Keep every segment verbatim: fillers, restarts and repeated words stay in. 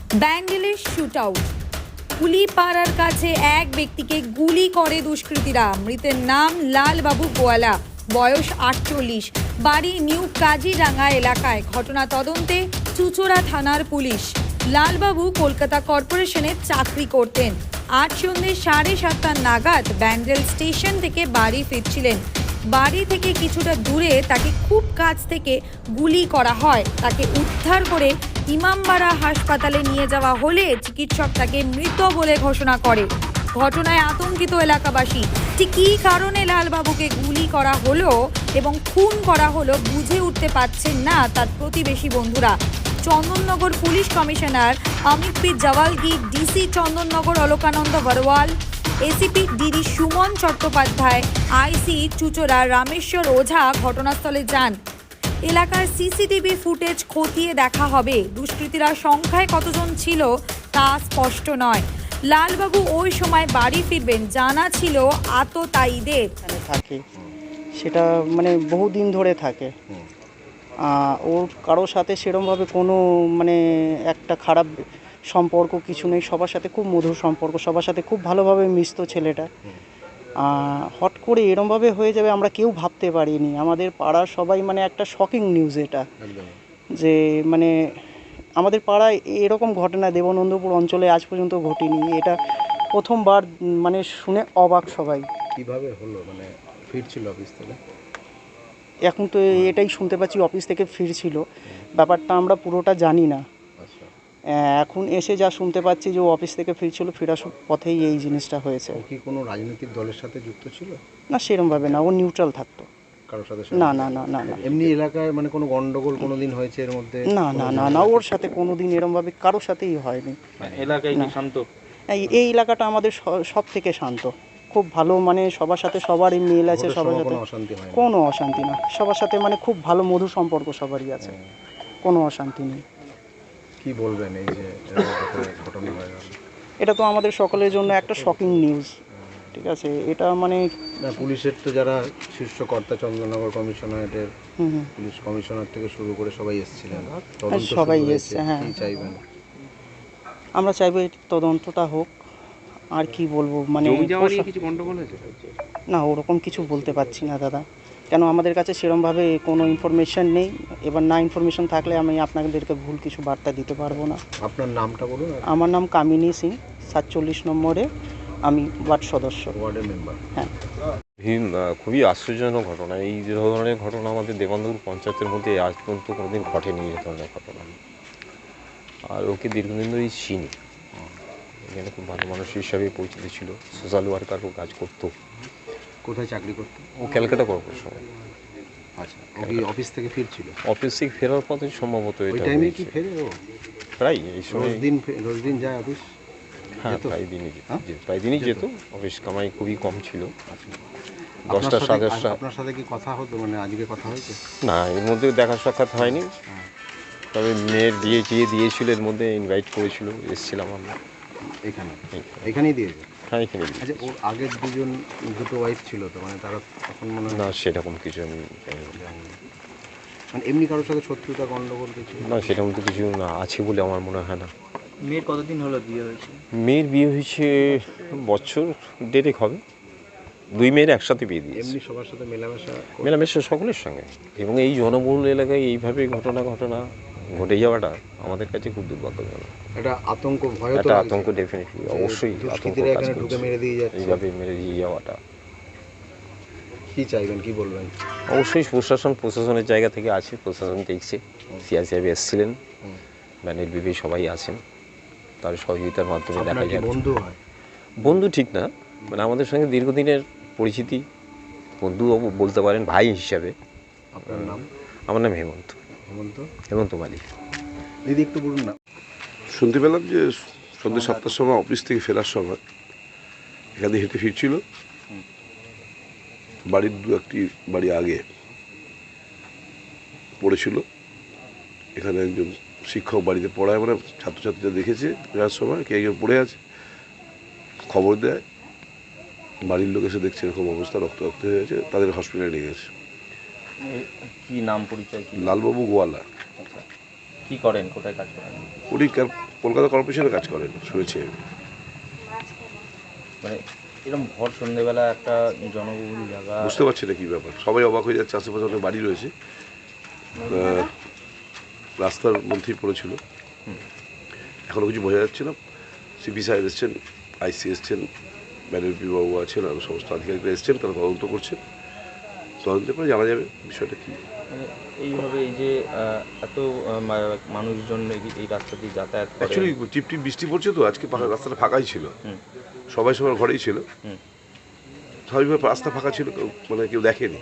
ব্যান্ডেলের shoot out. কুলিপাড়ার কাছে এক ব্যক্তিকে গুলি করে দুষ্কৃতীরা। মৃতের নাম লালবাবু গোয়ালা, বয়স আটচল্লিশ, বাড়ি নিউ কাজিরাঙ্গা এলাকায়। ঘটনা তদন্তে চুচুড়া থানার পুলিশ। লালবাবু কলকাতা কর্পোরেশনে চাকরি করতেন। আজ সন্ধ্যে সাড়ে সাতটা নাগাদ ব্যান্ডেল স্টেশন থেকে বাড়ি ফিরছিলেন। বাড়ি থেকে কিছুটা দূরে তাকে খুব কাছ থেকে গুলি করা হয়। তাকে উদ্ধার করে ইমামবাড়া হাসপাতালে নিয়ে যাওয়া হলে চিকিৎসক তাকে মৃত বলে ঘোষণা করে। ঘটনায় আতঙ্কিত এলাকাবাসী। ঠিক কী কারণে লালবাবুকে গুলি করা হলো এবং খুন করা হলো বুঝে উঠতে পারছেন না তার প্রতিবেশী বন্ধুরা। Chandannagar police commissioner Amit P Jawalgi, DC Chandannagar Alokananda Barwal, ACP DD Suman Chattopadhyay, IC Chuchura Rameshwar Ojha ঘটনাস্থলে যান। এলাকার সিসিটিভি ফুটেজ খতিয়ে দেখা হবে। দুষ্কৃতীরা সংখ্যায় কতজন ছিল তা স্পষ্ট নয়। লালবাবু ওই সময় বাড়ি ফিরবেন জানা ছিল আততায়ীদের। থাকে সেটা মানে বহুদিন ধরে থাকে। ওর কারোর সাথে সেরকমভাবে কোনো মানে একটা খারাপ সম্পর্ক কিছু নেই। সবার সাথে খুব মধুর সম্পর্ক, সবার সাথে খুব ভালোভাবে মিশতো ছেলেটা। হট করে এরমভাবে হয়ে যাবে আমরা কেউ ভাবতে পারিনি। আমাদের পাড়ার সবাই মানে একটা শকিং নিউজ এটা, যে মানে আমাদের পাড়ায় এরকম ঘটনা দেবনন্দপুর অঞ্চলে আজ পর্যন্ত ঘটেনি। এটা প্রথমবার মানে শুনে অবাক সবাই। কিভাবে হলো? মানে ফিরছিল অফিস থেকে? এখন তো এটাই শুনতে পাচ্ছি অফিস থেকে ফিরছিল। ব্যাপারটা আমরা পুরোটা জানি না। এখন এসে যা শুনতে পাচ্ছি যে ও অফিস থেকে ফিরছিল, ফেরার পথেই এই জিনিসটা হয়েছে। ও কি কোনো রাজনৈতিক দলের সাথে যুক্ত ছিল? না, সেরকমভাবে না, ও নিউট্রাল থাকতো। কারোর সাথে? না না না না না। এমনি এলাকায় মানে কোনো গন্ডগোল কোনো দিন হয়েছে এর মধ্যে? না না না না, ওর সাথে কোনো দিন এরকমভাবে কারোর সাথেই হয়নি। এলাকায় কি শান্ত? এই এলাকাটা আমাদের সব থেকে শান্ত, খুব ভালো, মানে সবার সাথে সবারই মিল আছে, সবার সাথে কোনো অশান্তি না। সবার সাথে মানে খুব ভালো মধুর সম্পর্ক সবারই আছে, কোনো অশান্তি নেই। কি বলবেন এই যে ঘটনা হয়ে গেল? এটা তো আমাদের সকলের জন্য একটা শকিং নিউজ। ঠিক আছে, এটা মানে পুলিশের তো যারা শীর্ষ কর্তা, চন্দননগর কমিশনারেটের পুলিশ কমিশনার থেকে শুরু করে সবাই এসেছিলেন, সবাই এসছে। হ্যাঁ, চাইবেন? আমরা চাইবো এই তদন্তটা হোক। আর কি বলবো, মানে কিছু গন্ডগোল হয়েছে না, ওরকম কিছু বলতে পারছি না দাদা, কেন আমাদের কাছে সেরকমভাবে কোনো ইনফরমেশন নেই। এবার না ইনফরমেশন থাকলে আমি আপনাদেরকে ভুল কিছু বার্তা দিতে পারবো না। আপনার নামটা বলুন। আমার নাম কামিনী সিং, সাতচল্লিশ নম্বরে আমি ওয়ার্ড সদস্য, ওয়ার্ডের মেম্বার। হ্যাঁ। খুবই আশ্চর্যজনক ঘটনা। এই যে ধরনের ঘটনা আমাদের দেবনন্দপুর পঞ্চায়েতের মধ্যে আজ পর্যন্ত কোনোদিন ঘটেনি এই ধরনের ঘটনা। আর ওকে দীর্ঘদিন ধরেই চিনি। এখানে খুব ভালো মানুষ হিসাবে পরিচিত ছিল, সোশ্যাল ওয়ার্কারও কাজ করতো। কোথায় চাকরি করতো? ও ক্যালকাটা কর্পোরেশনে। আচ্ছা, ও কি অফিস থেকে ফিরছিল? অফিস থেকে ফেরার পথে সম্ভবত এটা টাইমে কি ফেরে ও? প্রায় এই সময় দিন রোজ দিন যায় অফিস? হ্যাঁ, প্রায় দিনই যেত, প্রায় দিনই যেত। অফিস কামাই খুবই কম ছিল। দশটা সাড়ে দশটা। আপনার সাথে কি কথা হতো? মানে আজকে কথা হয়েছে? না, এর মধ্যে দেখা সাক্ষাৎ হয়নি। তবে মেয়ের বিয়ে চিয়ে দিয়েছিল, এর মধ্যে ইনভাইট করেছিল, এসেছিলাম আমরা এখানে। এখানেই দিয়েছে? হ্যাঁ, এখানে। আচ্ছা, ওর আগের দুজন দুটো ওয়াইফ ছিল তো, মানে তারা তখন মনে হয়? না, সেরকম কিছু আমি জানি না। মানে এমনি কারোর সাথে শত্রুতা গন্ডগোল কিছু? না, সেরকম তো কিছু না আছে বলে আমার মনে হয় না। মেয়ের কতদিন হলো বিয়ে হয়েছে? মেয়ের বিয়ে হয়েছে বছর দেড়েক হবে। দুই মেয়ের একসাথে বিয়ে দিয়েছে। এমনি সবার সাথে মেলামেশা? মেলামেশা সকলের সঙ্গে। এবং এই জনবহুল এলাকায় এইভাবে ঘটনা ঘটনা ঘটে যাওয়াটা আমাদের কাছে খুব দুর্ভাগ্যজনক। একটা আতঙ্ক, ভয়, একটা আতঙ্ক ডেফিনেটলি, অবশ্যই আতঙ্ক কাজ করছে মেরে দিয়ে যাচ্ছে এইভাবে মেরে দিয়ে যাওয়াটা। কি চাইবেন, কি বলবেন? অবশ্যই প্রশাসন প্রশাসনের জায়গা থেকে আছে, প্রশাসন দেখছে। সিআই সাহেব এসেছিলেন, ব্যানের বিবি সবাই আছেন, তার সহযোগিতার মাধ্যমে দেখা যায়। বন্ধু হয়? বন্ধু ঠিক না, মানে আমাদের সঙ্গে দীর্ঘদিনের পরিচিতি, বন্ধু বলতে পারেন, ভাই হিসাবে। আপনার নাম? আমার নাম হেমন্ত। হেমন্ত? হেমন্ত মালিক। দিদি একটু বলুন না। শুনতে পেলাম যে সন্ধ্যে সাতটার সময় অফিস থেকে ফেরার সময় এখানে হেঁটে ফিরছিল। বাড়ির দু একটি বাড়ি আগে পড়েছিল। এখানে একজন শিক্ষক বাড়িতে পড়ায়, মানে ছাত্রছাত্রীরা দেখেছে ফেরার সময় কে একজন পড়ে আছে, খবর দেয়। বাড়ির লোক এসে দেখছে এরকম অবস্থা, রক্ত রক্ত হয়ে গেছে, তাদের হসপিটালে নিয়ে গেছে। কি নাম, পরিচয়? লালবাবু গোয়ালা। কি করেন, কোথায় কাজ করেন? উনি কার- কলকাতা কর্পোরেশনে কাজ করেন শুনেছি আমি। মানে এরকম ভর সন্ধ্যেবেলা একটা জনবহুল জায়গা, বুঝতে পারছি না কী ব্যাপার, সবাই অবাক হয়ে যাচ্ছে। আশেপাশে অনেক বাড়ি রয়েছে, আহ, রাস্তার মধ্যেই পড়েছিল, এখনও কিছু বোঝা যাচ্ছে না। সিপি সাহেব এসছেন, আইসি এসছেন, ম্যানেজপি বাবু আছেন, আরও সমস্ত আধিকারিকরা এসছেন, তারা তদন্ত করছেন। তদন্ত করে জানা যাবে বিষয়টা কী। মানে এইভাবে এই যে আহ, এত আহ, মা- মানুষজন এই- এই রাস্তা দিয়ে যাতায়াত করে, অ্যাকচুয়ালি টিপ টিপ বৃষ্টি পড়ছে তো, আজকে পাকা রাস্তাটা ফাঁকাই ছিল, হুম। সবাই সবার ঘরেই ছিল, হুম। স্বাভাবিকভাবে রাস্তা ফাঁকা ছিল, কেউ- মানে কেউ দেখেনি।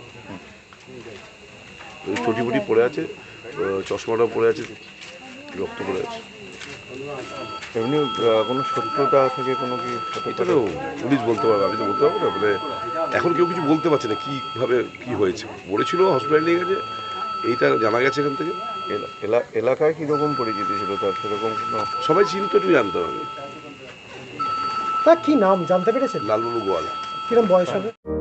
ওই চটিপুটি পড়ে আছে, আহ, চশমাটাও পড়ে আছে, রক্ত পড়ে আছে। এমনি কোনো শত্রুতা থেকে কোনো কি এটা তো পুলিশ বলতে পারবে, আমি তো বলতে পারবো না। মানে এখন কেউ কিছু বলতে পারছে না কীভাবে কী হয়েছে। পড়েছিল, হসপিটালে নিয়ে গেছে, এইটা জানা গেছে এখান থেকে। এলাকায় কীরকম পরিচিতি ছিল তার, সেরকম কোনো সবাই চিনতো, একটু জানতাম আমি। তা কি নাম জানতে পেরেছেন? লালবাবু গোয়ালা। কিরম বয়স হবে?